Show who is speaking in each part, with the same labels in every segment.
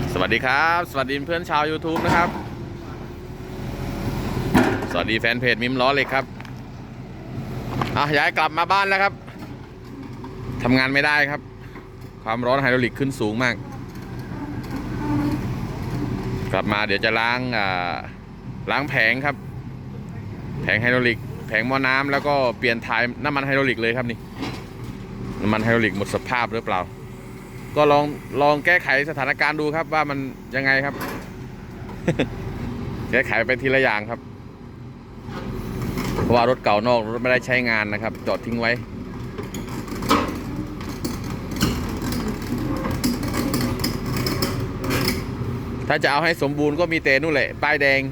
Speaker 1: สวัสดีครับสวัสดีเพื่อนชาว YouTube นะครับสวัสดีแฟนเพจมิมล้อเหล็กครับย้ายกลับมาบ้านแล้วครับทำงานไม่ได้ครับความร้อนไฮดรอลิกขึ้นสูงมากกลับมาเดี๋ยวจะล้างแผงครับแผงไฮดรอลิกแผงหม้อน้ำแล้วก็เปลี่ยนถ่ายน้ำมันไฮดรอลิกเลยครับนี่น้ำมันไฮดรอลิกหมดสภาพหรือเปล่าก็ลองแก้ไขสถานการณ์ดูครับว่ามันยังไงครับ แก้ไขไปทีละอย่างครับเพราะว่ารถเก่านอกรถไม่ได้ใช้งานนะครับจอดทิ้งไว้ถ้าจะเอาให้สมบูรณ์ก็มีแต่นู่นแหละป้ายแดง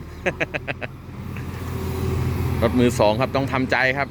Speaker 1: รถมือสองครับต้องทำใจครับ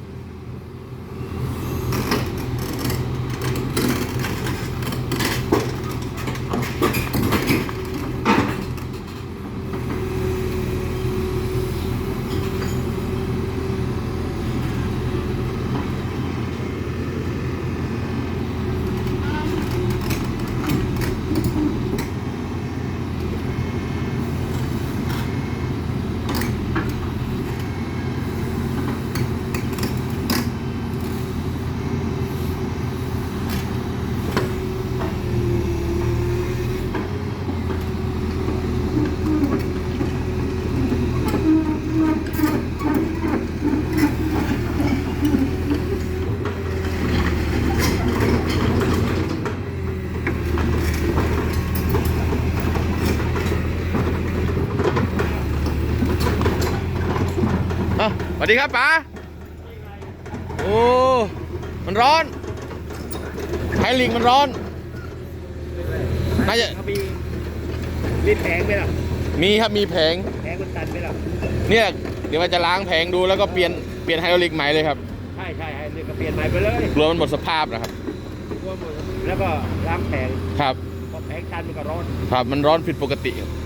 Speaker 1: สวัสดีครับป๋าโอ้มันร้อนไฮดรอลิกมันร้อนน่าจะ
Speaker 2: มีแผงไหมล่ะ
Speaker 1: มีครับมีแผง
Speaker 2: มันตันไหมล่ะ
Speaker 1: เนี่ยเดี๋ยวมันจะล้างแผงดูแล้วก็เปลี่ยนไฮดรอลิกใหม่เลยครับ
Speaker 2: ใช่เนี่ยก็เปลี่ยนใหม่ไปเลย
Speaker 1: กลัวมันหมดสภาพนะครับ
Speaker 2: แล้วก็ล้างแผง
Speaker 1: ครับ
Speaker 2: พอแผงตันมันก็ร้อน
Speaker 1: ครับมันร้อนผิดปกติครับ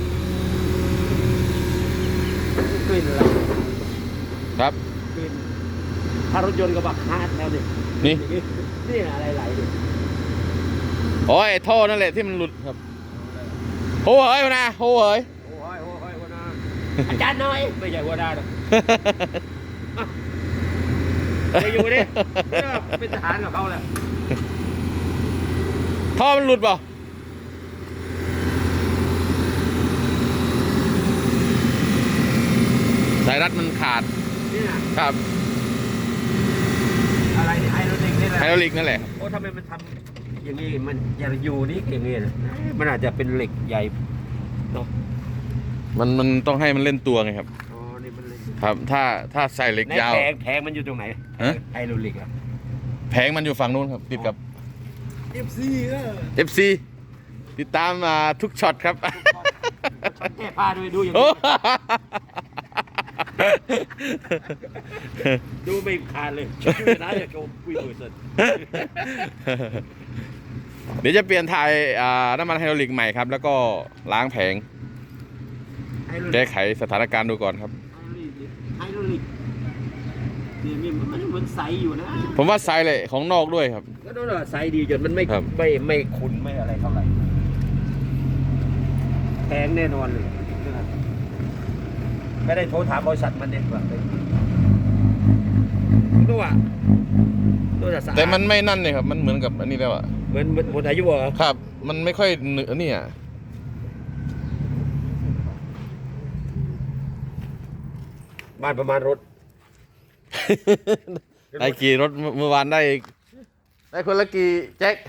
Speaker 2: กลิ่นอะไร
Speaker 1: ครับ
Speaker 2: กลิ่นถ้ารถยนต์ก็บักฮาร์ดแล้วนี่อะไรไหลดิ
Speaker 1: โอ้ยท่อนั่นแหละที่มันหลุดครับโหเฮ้ยนะโหเฮ้ย
Speaker 2: หัวหน้าอาจารย์น้อยไม่ใช่หัวหน้าหรอกไปอยู่ดิเป็นทหารกับเขาแหละ
Speaker 1: ท่อมันหลุดเปล่าสายรัดมันขาดครับ
Speaker 2: อะไรไฮดรอลิกนี่แหละ
Speaker 1: ไฮดรอลิกนั่นแหละ
Speaker 2: โอ้ทำไมมันทำอย่างนี้มันอย่าอยู่นี่อย่างนี้นะมันอาจจะเป็นเหล็กใหญ่เนาะ
Speaker 1: มันต้องให้มันเล่นตัวไงครับ
Speaker 2: อ๋อนี่มันเล่น
Speaker 1: ครับถ้าใส่เหล็กยาว
Speaker 2: แผงมันอยู่ตรงไหนไฮดรอลิกอะ
Speaker 1: แผงมันอยู่ฝั่งนู้นครับติดกับ
Speaker 2: FC
Speaker 1: FC ติดตามทุกช็อตครับ
Speaker 2: แก้ผ้าด้วยดูอย่างนี้ดูไม่ขาดเลยนะอย่าโชว์คุยเวอร์สัน
Speaker 1: เดี๋ยวจะเปลี่ยนถ่ายน้ำมันไฮดรอลิกใหม่ครับแล้วก็ล้างแผงแก้ไขสถานการณ์ดูก่อนครับ
Speaker 2: ไฮดรอลิกนี่มันใสอยู่นะ
Speaker 1: ผมว่าไซส์เลยของนอกด้วยครับ
Speaker 2: ก็ดูว่าไซส์ดีจนมันไม่ขุ่นไม่อะไรเท่าไหร่แพงแน่นอนเลยไม่ได้โทรถามบริษัทมันเองว่าตัวจะสะอาด
Speaker 1: แต่มันไม่นั่นเลยครับมันเหมือนกับอันนี้แล้วอะ
Speaker 2: เหมือนหมดอายุเหรอ
Speaker 1: ครับมันไม่ค่อยเนื้อนี่อะ
Speaker 2: บ้านประมาณรถ
Speaker 1: ได้กี่รถเมื่อวานได้คนละกี่แจ็ค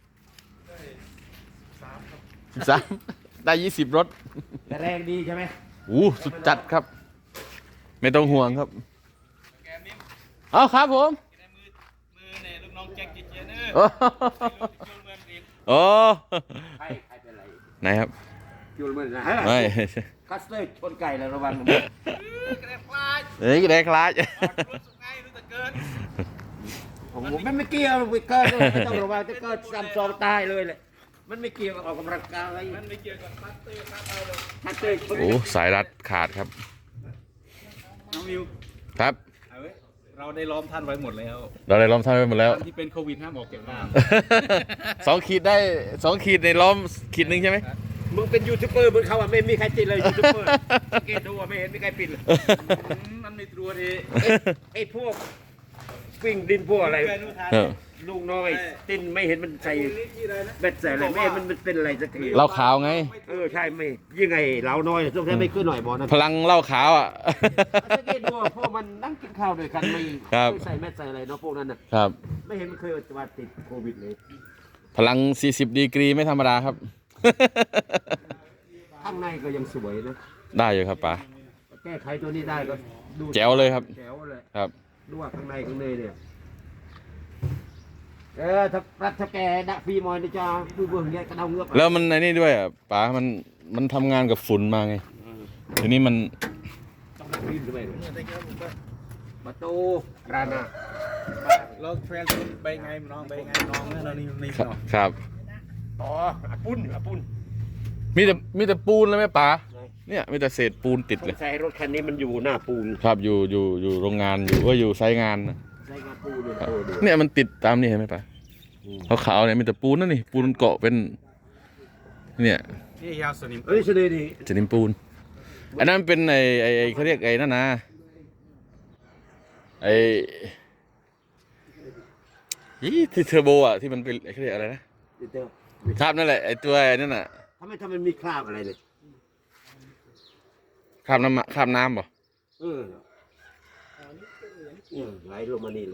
Speaker 1: 13ได้20รถ
Speaker 2: แรงดีใช่ไหม
Speaker 1: สุดจัดครับไม่ต้องห่วงครับเอาครับผม
Speaker 2: มือเนี่ยลูกน้องแจ็คเจเนอร์
Speaker 1: โอ้
Speaker 2: ใครเป็นไร
Speaker 1: ไหนครับ
Speaker 2: ยูลเมนนะ
Speaker 1: ไม่
Speaker 2: คัสเตอร์ชนไก่แล้วระวังกระเด็นคลาด
Speaker 1: กระเด็นคลาด
Speaker 2: รู้สึกไงรู้สึกเกินผมไม่เกี่ยวไม่เกินไม่ต้องระวังจะเกิดซ้ำซ้อนตายเลยแหละมันไม่เกี่ยวกับออกกำลังกายมันไม่เกี่ยวกับคัสเตอร์
Speaker 1: โอ้สายรัดขาดครับ
Speaker 3: น้องวิว
Speaker 1: ครับ
Speaker 3: เราได้ล้อมท่านไว้หมดแล้วที่เป็นโควิดห้ามออกจากบ้าน
Speaker 1: 2 ขีดได้2 ขีดในล้อมขีดหนึ่งใช่ไหม
Speaker 2: มึงเป็นยูทูบเบอร์มึงเขาไม่มีใครติดเลยยูทูบเบอร์สังเกตดูไม่เห็นมีใครปิดเลย
Speaker 3: มันไม่ตรวจเอง
Speaker 2: ไอ้พวกวิ่งดินพวกอะไร
Speaker 1: เออ
Speaker 2: ลุงน้อยตินไม่เห็นมันใส่เบ็ดใส่อะไรไม่เห็นมันเป็นอะไรสักที
Speaker 1: เหล้าขาวไง
Speaker 2: ใช่ไม่ยังไงเราน้อยต้องแท้ไม่ขึ้นหน่อยบอนะ
Speaker 1: พลังเหล้าขาวอ่ะ
Speaker 2: สังเกตดูพวกมันนั่งกินข้าวด้วยกันไม่
Speaker 1: ครับ
Speaker 2: ไม่ใส่แมสใส่อะไรเนาะพวกนั้นน่ะ
Speaker 1: ครับ
Speaker 2: ไม่เห็นมันเคยว่าติดโควิดเลย
Speaker 1: พลัง 40 ดีกรีไม่ธรรมดาครับ
Speaker 2: ข้างในก็ยังสวยนะ
Speaker 1: ได้อยู่ครับป๋า
Speaker 2: แก้ไขตัวนี้ได้ก็ดู
Speaker 1: แจ๋วเลยครับ
Speaker 2: แจ๋วเลย
Speaker 1: ครับ
Speaker 2: ดูว่าข้างในเนี่ยถ้ารัฐถ้าแกดักฟีมอยนี่จะดูเบื้องเนี้ยกระเดาเงือก
Speaker 1: แล้วมันไอ้นี่ด้วยอ่ะป๋ามันทำงานกับฝุ่นมาไงทีนี้มัน
Speaker 2: ต้องดักฟีมด้วยประตูร้านน่ะ
Speaker 3: เราแฟนไปไงน้องไปไงน้องนั่นนี่นี่
Speaker 1: ครับ
Speaker 3: เนาะ
Speaker 1: ครับ
Speaker 2: อ๋ออาปุ้น
Speaker 1: มีแต่ปูนแล้วไหมป๋าเนี่ยมีแต่เศษปูนติด
Speaker 2: ส
Speaker 1: เลย
Speaker 2: งสัยรถคันนี้มันอยู่หน้าปูน
Speaker 1: ครับอยู่โรงงานอยู่ไซต์งานน่ะ
Speaker 2: ใช่ครับปูนเลยโตดู
Speaker 1: เนี่ยมันติดตามนี่เห็นไหมป๋าขาวๆเนี่ยมีแต่ปูนนั่นนี่ปูนเกาะเป็นเนี่ย
Speaker 3: นี่ยาวสนิม
Speaker 2: เฉลยดิ
Speaker 1: จะนิมปูนอันนั้นเป็นไอ้เขาเรียกไอ้นั่นนะไอ้ที่เทอร์โบอ่ะที่มันเป็นเขาเรียกอะไรนะ
Speaker 2: เดี๋ยว
Speaker 1: ครับนั่นแหละไอ้ตัวไอ้นั่นน่ะ
Speaker 2: ทำไมมันมีคราบอะไรเลย
Speaker 1: คราบน้ำป่ะ
Speaker 2: ไหลลงมานี่เลย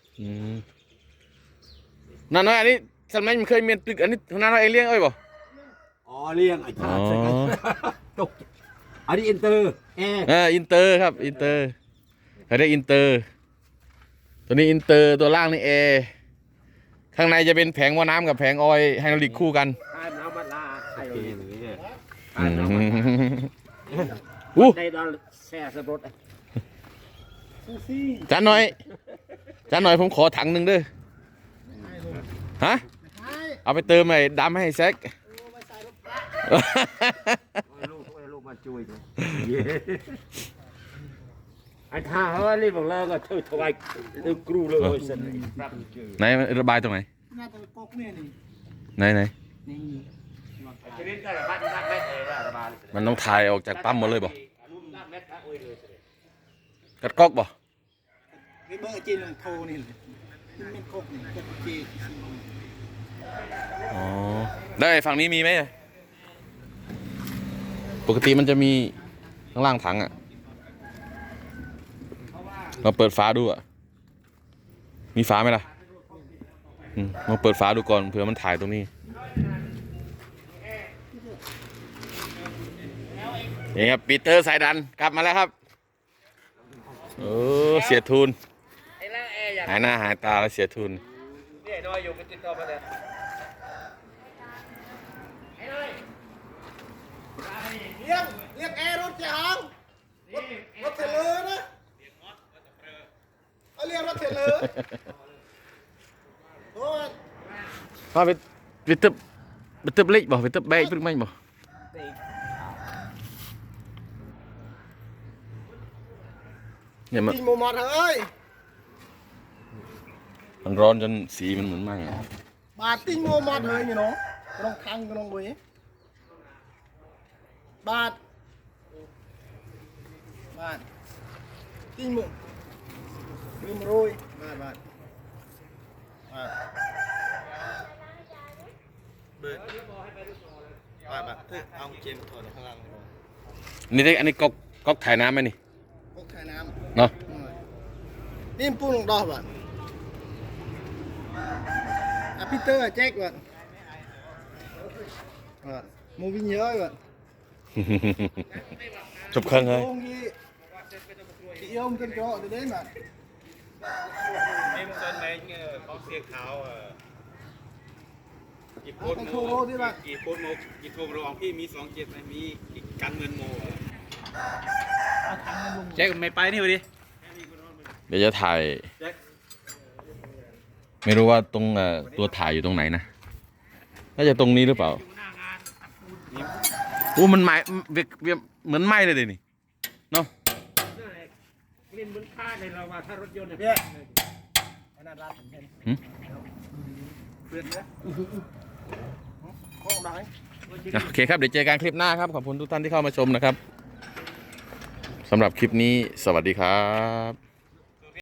Speaker 1: นั่นน้อยอันนี้สมัยมันเคยมีตึกอันนี้ทางนั้นเราเองเลี้ยงเอ้ยป่ะ
Speaker 2: อ๋อเลี้ยงไอ้ท่าใช่ไหมตกอันนี้อินเตอร์แอร์
Speaker 1: อินเตอร์ครับอินเตอร์เขาเรียกอินเตอร์ตัวนี้อินเตอร์ตัวล่างนี่เอข้างในจะเป็นแผงหม้อน้ำกับแผงออยล์ไฮดรอลิกคู่กัน
Speaker 2: ทายน้ำมันลาไอ้เนี่ย
Speaker 1: อู้
Speaker 2: ในดอนแช่สรถ
Speaker 1: จานหน่อยผมขอถังหนึ่งเด้อฮะเอาไปเติมไอ้ดำให้แซก
Speaker 2: ลูกมาช่วยไอ้ท่าเขาเรียกบอกแล้วก็เธอถวายกรูเลยสัน
Speaker 1: ไหนระบายตรงไหน
Speaker 4: น่าจะปกเนี่ยนี่
Speaker 1: ไหน
Speaker 4: นี่
Speaker 2: ชนิดได้บ้านนักแม่เลยระบาย
Speaker 1: มันต้องถ่ายออกจากปั๊มหมดเลยบ่กัดก๊อกบ่
Speaker 4: นี่เบอร์จีนโทรนี่เลยนี่เป็นกกนี่กกจีน
Speaker 1: อ๋อได้ฝั่งนี้มีไหมปกติมันจะมีข้างล่างถังอ่ะเราเปิดฝาดูอ่ะมีฝาไหมล่ะมาเปิดฝาดูก่อนเผื่อมันถ่ายตรงนี้นี่ครับปีเตอร์สายดันกลับมาแล้วครับโอ้เสียทุนหายหน้าหายตาแล้วเสียทุน
Speaker 2: นี่น้อยอยู่ไปติดต่อมาเลย
Speaker 4: เรียกแอร์รถเจ้าของรถเทเลอร์นะเอาเรียกรถเทเลอร์โอ้ย
Speaker 1: ว่าไปตึบเล็กบ่ไปตึบแบกตึบไม่บ่เนี่ยมัน
Speaker 4: ติงโมมอดเอ้ย
Speaker 1: มันร้อนจนสีมันเหมือนไหม้อะ
Speaker 4: บาทติงโมมอดเฮ้ยนี่เนาะกระองคังกระองเว้ยบาทติงโมลืมโรยบาทเบิร์ดบาทเอาเจมถอดข้างล่าง
Speaker 1: นี่ได้อันนี้ก๊อกถ่ายน้ำไหมนี่
Speaker 4: พวกไข่น้
Speaker 1: เนาะ
Speaker 4: ำนี่ปูลงดอกบาทพีเตอร์แจ็คบาทมูวินเยอะบาท
Speaker 1: จบเครื่องเลย
Speaker 4: โอ้ยที่ยอมกันก็เดี๋ยวมา
Speaker 3: นี่มันเป็นแมงของเสียขาวกี่โพสโมกี่โพสโมกี่โทรระหว่างพี่มี27ไหมมีกันเงินโมแจ็คไม่ไปนี่วะดิ
Speaker 1: เดี๋ยวจะถ่าย
Speaker 3: แจ็ค
Speaker 1: ไม่รู้ว่าตรงตัวถ่ายอยู่ตรงไหนนะน่าจะตรงนี้หรือเปล่าโอ้มันไหม้เหมือนไหม้เลยดินี่เนาะ
Speaker 2: กลิ่นมันฆ่าในเราว่าถ้ารถยนต์เนี่ย
Speaker 4: ไอ้นั่นร้านผมเห็น
Speaker 1: หืม
Speaker 4: เพื่อนนะห้องไหน
Speaker 1: โอเคครับเดี๋ยวเจอกันคลิปหน้าครับขอบคุณทุกท่านที่เข้ามาชมนะครับสำหรับคลิปนี้สวัสดีครับ